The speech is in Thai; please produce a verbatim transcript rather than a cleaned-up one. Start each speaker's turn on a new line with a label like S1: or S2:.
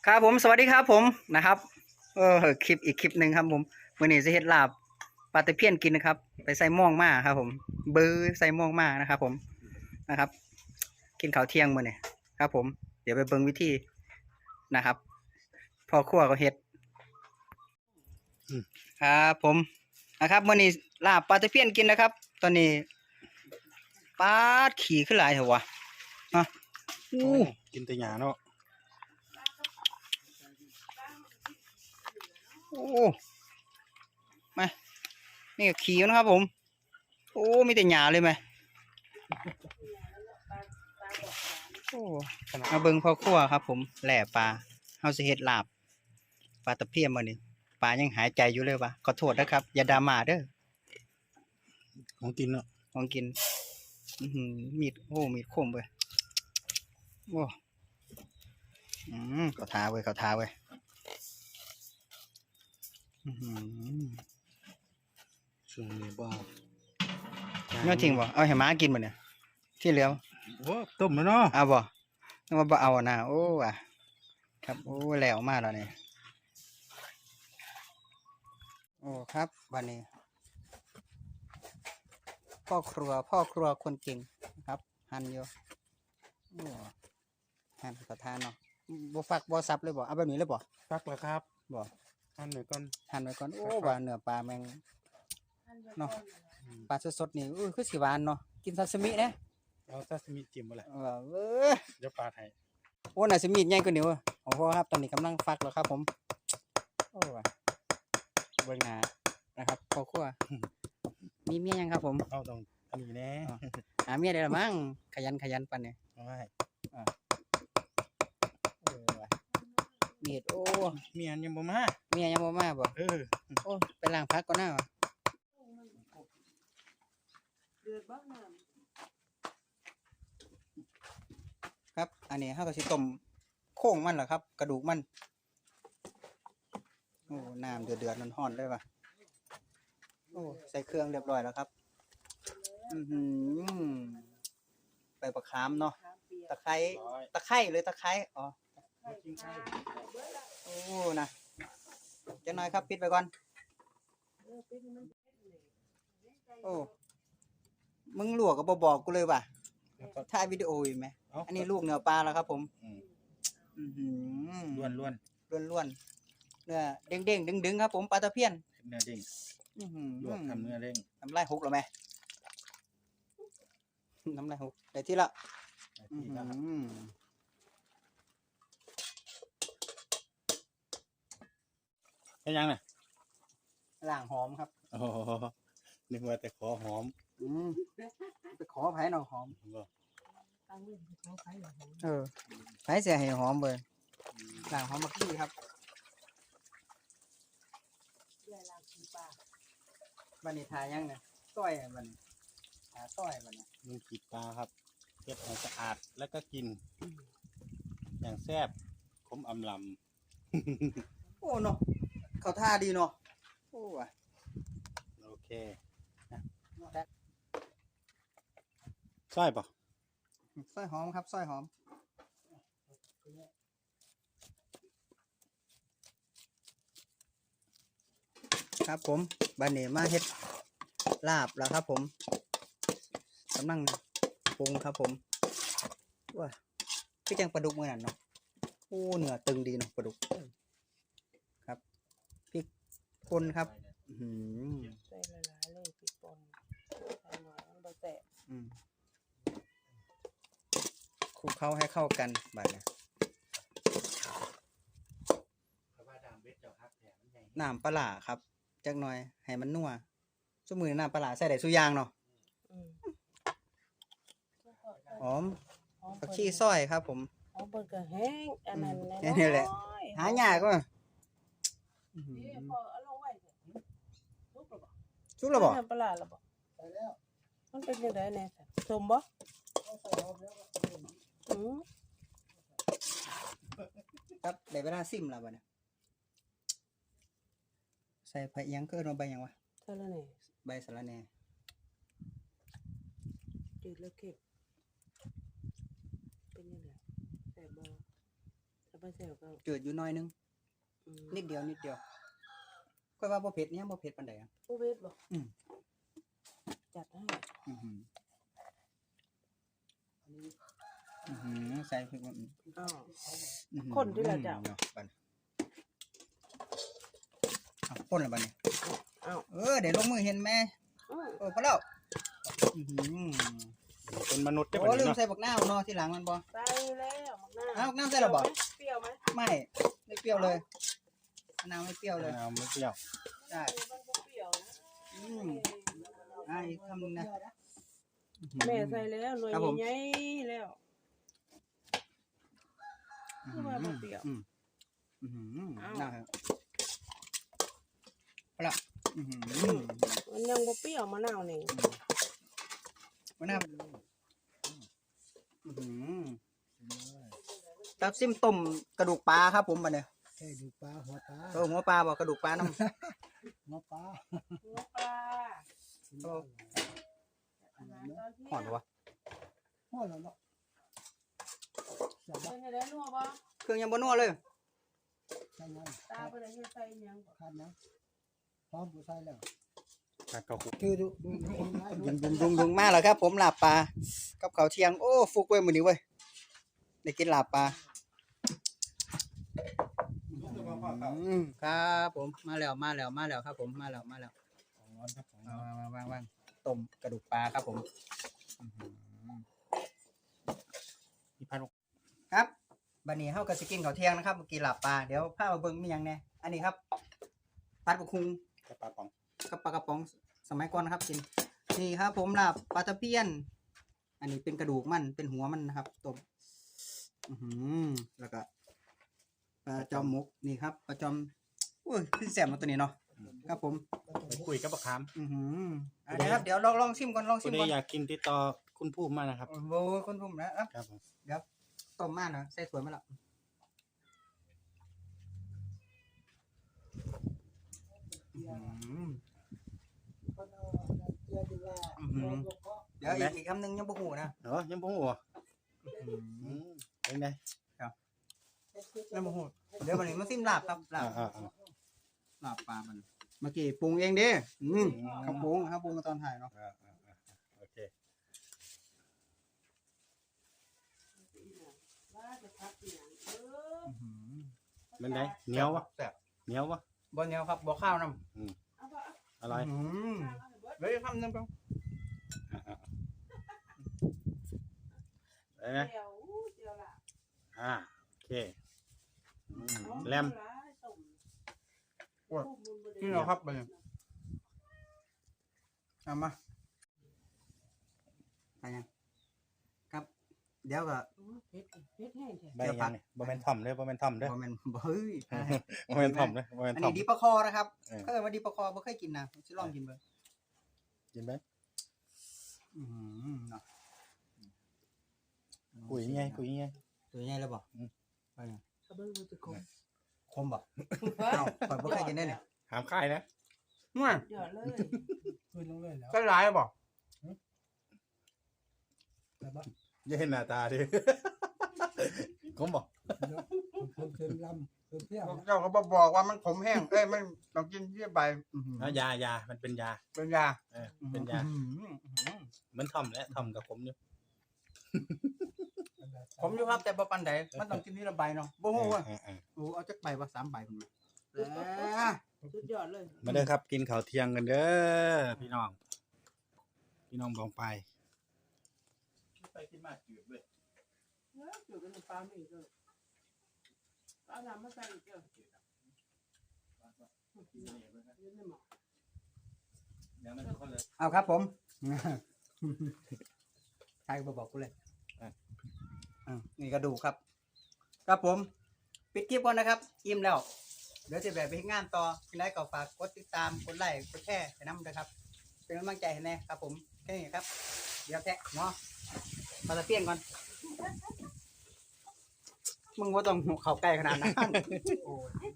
S1: ครับผมสวัสดีครับผมนะครับเออคลิปอีกคลิปหนึ่งครับผมมื้อนี้จะเฮ็ดลาบปลาตะเพียนกินนะครับไปใส่หม่องมาครับผมเบอร์ใส่หม่องมานะครับผมนะครับกินข้าวเที่ยงมื้อนี้ครับผมเดี๋ยวไปเบิ่งวิธีนะครับพ่อครัวก็เฮ็ดครับผมนะครับมื้อนี้ลาบปลาตะเพียนกินนะครับ ตอนนี้ปลาดขี่ขึ้นหลายเถอะวะฮะอู้
S2: กินแต่หญ้าเนาะ
S1: โอ้มานี่ก็ขี่นะครับผมโอ้มีแต่หญ้าเลยไหมโอ้มาเบิ่งพ่อครัวครับผมแหล่ปลาเฮาสิเฮ็ดลาบปลาตะเพียนมื้อนี้ปลายังหายใจอยู่เลยวะขอโทษนะครับอย่าดราม่าเด้อ
S2: ของกินเนาะ
S1: ของกินอื้อหือมีดโอ้มีดคมเว้ยโอ้อืมเขาทาเว้ยเขาทาเว้ยอื้อหือ
S2: ช่วงนี้บ่
S1: ยอดจริงบ่เอาให้หมากินบ่เนี่ยที่เหลือ
S2: โอ้ต้มแล้วเนาะ
S1: เอาบ่นึกว่าบ่เอานะโอ้ว่ะครับโอ้แล้วมาแล้วนี่โอ้ครับวันนี้พ่อครัวพ่อครัวคนเก่งครับหั่นอยู่โอ้หั่นกระทานเนาะบ่ฟักบ่สับเลยบ่เอาแบบนี้เลยบ่
S2: ฟักแล้วครับ
S1: บ่
S2: หั่นไว้ก่อน
S1: หั่นไว้ก่อนโอ้ว่าเนื้อปลาแม่งเนาะปลาสดๆนี่อู้คือสิหวานเนาะกินซาซิมิเด้
S2: เอาซาซิมิจิ้มบ่แหละ
S1: เออเว้ย
S2: เดี๋ยวปาดให้
S1: โอ้น่าสิมีดใหญ่กว่านี้เว้ยโอ้โหครับตอนนี้กำลังฟักแล้วครับผมโอ้ว่ะเบิ่งหน้านะครับพ่อครัวมีเมียยังครับผม
S2: เอาต้องอันนี้แน่
S1: หาเมียได้ละมั้งขยันขยันปันเนี่ย
S2: เอาไว้
S1: เออว่ะมีดโอ้
S2: เมียนยังบ่มา
S1: เมียยังบ่มาบ่
S2: เออ
S1: โอ้ไปล้างพักก่อนหน้าวะครับอันนี้เฮาก็สิต้มโค้งมันเหรอครับ กระดูกมันโอ้น้ำเดือดเดือดร้อนๆเลยว่ะโอ้ใส่เครื่องเรียบร้อยแล้วครับอือหือใบมะขามเนาะตะไคร้ตะไคร้เลยตะไคร้อ๋อ
S2: เอากินไข่
S1: โอ้นะจะน้อยครับปิดไปก่อนโอ้มึงลวกก็บ่บอกกูเลยว่ะ
S2: แล้วก็
S1: ถ่ายวิดีโออยู่ไหม
S2: เอา
S1: อันนี้ลูกเนื้อปลาแล้วครับผม
S2: อืม
S1: อือหือ
S2: ล้วน
S1: ล้วนล้วนๆเนื้อเด้งเด้งดึงดึงๆครับผมปลาตะเพียน
S2: ๆเนื้อเด้ง
S1: อือหือ
S2: ลวกทำเนื้อเด้ง
S1: น้ำลายหกแล้วไหมน้ำลายหกได้ที่ละ
S2: ได้
S1: อือ
S2: ที่
S1: หื
S2: แล้วครับ
S1: อ
S2: เป็นยังน่ะ
S1: ล่างหอมครับ
S2: โอ้โหนึกว่าแต่ขอหอม
S1: อืมไปขอไผ่หน่อยหอม
S2: บ่
S1: เออไผ่เสียให้หอมเลยล่างหอมบักขี้ครับบันนี้ทายังเนี่ยต้อยบันนี้ทาต้อยบันนี้
S2: ลุงขีดปลาครับเก็บให้สะอาดแล้วก็กิน อย่างแซ่บขมอำลำ
S1: โอ้เนาะเขาท่าดีเนาะโอ้ว่ะ
S2: โอเคใช่ปะ
S1: ซอยหอมครับซอยหอมครับผมบันนี้มาเฮ็ดลาบแล้วครับผมกำลังปรุงครับผมว้าคือจังปลาดุกเมื่อนั้นเนาะโอ้เนื้อตึงดีเนาะปลาดุกครับพริกป่นครับอื้อหือ
S3: ใส่หลายๆเลยพริกป่นใส่หน่อยมันบ่แตะ
S1: อืมคลุกเข้าให้เข้ากันบัดนี้น้ำปลาร้าครับจักหน่อยให้มันนัวซุมื้อนี้น้ำปลาร้าใส่ได้ซุอย่างเนาะ
S3: อืม
S1: หอม
S3: หอม
S1: ผัก
S3: เพิ่น
S1: ชีซอยครับผม
S3: หอมเพิ่นก็แห้งอันนั้น
S1: แค่นี้แหละ หายากก็
S3: นี่พอเอาลงไว้เถอะลุกแล้วบ่
S1: ชุบแล้วบ่
S3: น้ำปลาร้าแล้วบ่ใส่แล้วมันเป็นจังไดแน่สมบ่อืม
S1: ครับได้เวลาซิมแล้วบัดนี้ใส่ผักหยังคือเอาใบหยังวะ
S3: เท่านั้นแหละ
S1: ใบสะระแหน่
S3: จืดแล้วเก็บเป็นยังไงแซ่บบ่เท่าจะไปเสียวก็
S1: จืดอยู่หน้อยนึง
S3: อืม
S1: นิดเดียวนิดเดียวค่อยว่าบ่เผ็ดเนี่ยบ่เผ็ดปานใดอ่ะ
S3: โอเวทบ่
S1: อืม
S3: จัดให้
S1: อื้อหืออื้อหือใส่พริกมัน
S3: อ้าว
S1: อื้อหือ
S3: คนที่ละเจ้า
S1: เนาะบัดเอาคนละบัดนี้
S3: อ้าว
S1: เออเดี๋ยวลงมือเห็นไหม
S3: อ้าว
S1: เออพอแล้วอื้อหือ
S2: เป็นมนุษย์ได้
S1: โอ้
S2: ปะ
S1: ลืม
S2: เนาะ
S1: ใส่บักนาวเนาะที่หลังมันบ่
S3: ใส่แล้วมักหน้า
S1: อ้าวมักหน้าใส่แล้วบ่
S3: เปรี้ยวไหม
S1: ไม่ไม่เปรี้ยวเลยมะนาวไม่เปรี้ยวเลย
S2: เอาไม่เปรี้ยว
S1: ใช่
S3: มันบ่เปรี้ยวนะ
S1: อืมอ่าอีกคำหนึงนะ
S3: แม่ใส่แล้วหน่วย
S1: ครับผม
S3: ใหญ่ๆแล้ว คือว่าบ่เปรี้ยว
S1: อืมอื้อหือ
S3: อ้าว
S1: น่าครับเอาละอื้อหือ
S3: มันยังบ่เปรี้ยวมะนาวนี่
S1: มะนาวอื้อหือตับซิมต้มกระดูกปลาครับผมบัดเนี่ย
S4: ใช่ดูปลาหัวปลา
S1: เออหัวปลาบ่กระดูกปลาน้ำ
S4: หัวปลา
S3: หัวปลา
S1: โอ้
S3: อาหารตอนเที่ยง
S1: ห่อนวะ
S4: หัวเราเนาะใช่
S3: เป็
S4: ปะ
S3: นได้นัวบ่
S1: เครื่องยังบ่นัวเลย
S4: ใช่ไหม
S3: ตาบ่ได้เฮ็ดใส่หยังบ่
S4: ขาดนะพร้อมผู้ใส่แล้ว
S2: การเกาคุ
S4: คือดูดูดูคนร้าย
S1: ยุงยุงยุงยุงมาแล้วครับ ผมลาบปลากับข้าวเที่ยงโอ้ฟุกเว้ยมื้อนี้เว้ยได้กินลาบปลาอืมครับผมมาแล้วมาแล้วมาแล้วครับ ผมมาแล้วมาแล้ว
S2: ของร้อนครับของ
S1: เอา
S2: ร้อน
S1: วางวางวางต้มกระดูกปลาครับผมอื้อหือ
S2: มีพัน
S1: ครับบัดนี้เฮาก็สิกินข้าวเที่ยงนะครับเมื่อกี้ลาบปลาเดี๋ยวพามาเบิ่งมีหยังแหน่อันนี้ครับผัดกะคุง
S2: กระปลาป๋อง
S1: กับปลากระป๋องสมัยก่อนนะครับกินนี่ครับ ผมลาบปลาตะเพียน อันนี้เป็นกระดูกมันเป็นหัวมันนะครับต้มอื้อหือแล้วก็ปลาจอมหมกนี่ครับปลาจอมโอ้ยขึ้นแสบมาตัวนี้เนาะครับผม
S2: ไปคุยกับปลาคาม
S1: อือหืออ่ะเดี๋ยวครับเดี๋ยวลองลองชิมก่อนลองชิ
S2: คุณ
S1: ม
S2: ได้
S1: ก่อน
S2: อยากกินติดต่อคุณผู้มานะครับ
S1: โอ้โหคนผมนะครับ
S2: ครับผม
S1: ต้มมากนะใส่ถ้วยมาแล้วอื้อหือ
S4: คนเอาเกลือดีว่า
S1: อื้อหือเดี๋ยวอีกอีกคำหนึงยังบ่หูนะ
S2: เนาะยังบ่หัว
S1: อื้อหื
S2: อื
S1: อ
S2: มเป็นไง
S1: ยังบ่หูเดี๋ยววันนี้มาซิมลาบครับลา
S2: อ่า
S1: บ
S2: อ่าอ่า
S1: ลาบปลามันเมื่อกี้ปรุงเองเด้อืมครับปรุงครับปรุงตอนถ่ายเนาะ
S2: อ่าอ่าอ่าโอเค
S3: ว่าจะพักอีหยังเออ
S2: เป็นไงเหนียววะ
S1: แซ่บ
S2: เหนียววะ
S1: บ่เหนียวครับบ่ข้าวน้
S3: เอาบ่เอา
S2: อะไร
S1: ำอืม
S3: ข้าวเอาให้เบิด
S1: เดี๋ยวอีกคำหนึงครับ
S2: อ่าอ่าเป็นไง
S3: เดี๋ยวอู้เดี๋ยวล่ะ
S2: อ่าโอเคอืม
S3: เอา
S2: แลม
S3: หลายต้ม
S1: โอ้ย
S3: ต้มมันบ่ได้
S1: นี่เหรอครับไปเลยเอามาไปยังครับ เดี๋ยวก็
S3: อ๋อเผ็ดเผ็ดแห้งแท้
S2: ใบยังนี่บ่แม่นถ่อมเด้อบ่แม่นถ่อมเด้อ
S1: บ่แม่นบ่เฮ้ย
S2: บ่แม่นถ่อมเด้อบ่แม่น
S1: อัน
S2: ถ่อ
S1: นี้
S2: ม
S1: ดีปลาคอนะครับ
S2: เออ
S1: เคยว่าดีปลาคอบ่เคยกินนะผมสิลองกินเบิ่ง
S2: กินไหม
S1: อือหือเนาะ
S2: คุยยังไงคุยยังไง
S1: ตัวใหญ่แล้วบ่
S2: อืม
S1: ไปยัง
S3: กระเบื้องมันจะคม
S1: คมบ่เอ้าข่อยบ่เคยกินได้เนี่ย
S2: หามค่ายนะ
S1: มั่ว
S3: เดี๋ยวเลย
S4: คืนลงเลยแล้ว
S1: ก็หลายบ่
S4: แต่ว่า
S2: อย่าเห็นหน้าตาดิ ผมบอก
S4: เดี๋ยวเพิ่มเติมลำเพิ่มเที่ยว
S1: เจ้าก็บ่บอกว่ามันขมแห้งเอ้ยมันต้องกินที่ใบอื้อหือ
S2: เอายายามันเป็นยา
S1: เป็นยา
S2: เออเป็นยา
S1: อื้อหืออื้อหือ
S2: เหมือนถ่อมแหละถ่อมกับผมอยู่
S1: ผมอยู่ครับแต่บ่ปานใดมันต้องกินทีละใบเนาะบ่ฮู้ว่า
S2: เออเออ
S1: โอ้เอาจักใบว่าสามใบพุ่นมาแหม
S3: สุดยอดเลย
S2: มาเด้อครับกินข้าวเที่ยงกันเด้อพี่น้อง พี่น้องบองไปไปกินมาจืดเว้ย
S3: เนื้ออยู่กันปลาไม่อีกเลยเอาน้ำมาใส่อีกเด้อยืนในหม้อ
S2: เดี๋ยวมันคนเลย
S1: เอาครับผมใครก็บ่บอกกูเลย
S2: อ่ะ
S1: อ่ะนี่กระดูกครับ ครับผม ปิดคลิปก่อนนะครับ อิ่มแล้ว เดี๋ยวจะแบบไปเฮ็ดงานต่อกินได้ก็ฝากกดติดตาม กดไลค์ กดแชร์ให้นำนะครับ เป็นกำลังใจให้แน่ครับผม แค่นี้ครับ เดี๋ยวแทะเนาะมาตะเพียงก่อน มึงว่าต้องเข้าใกล้ขนาดนั้น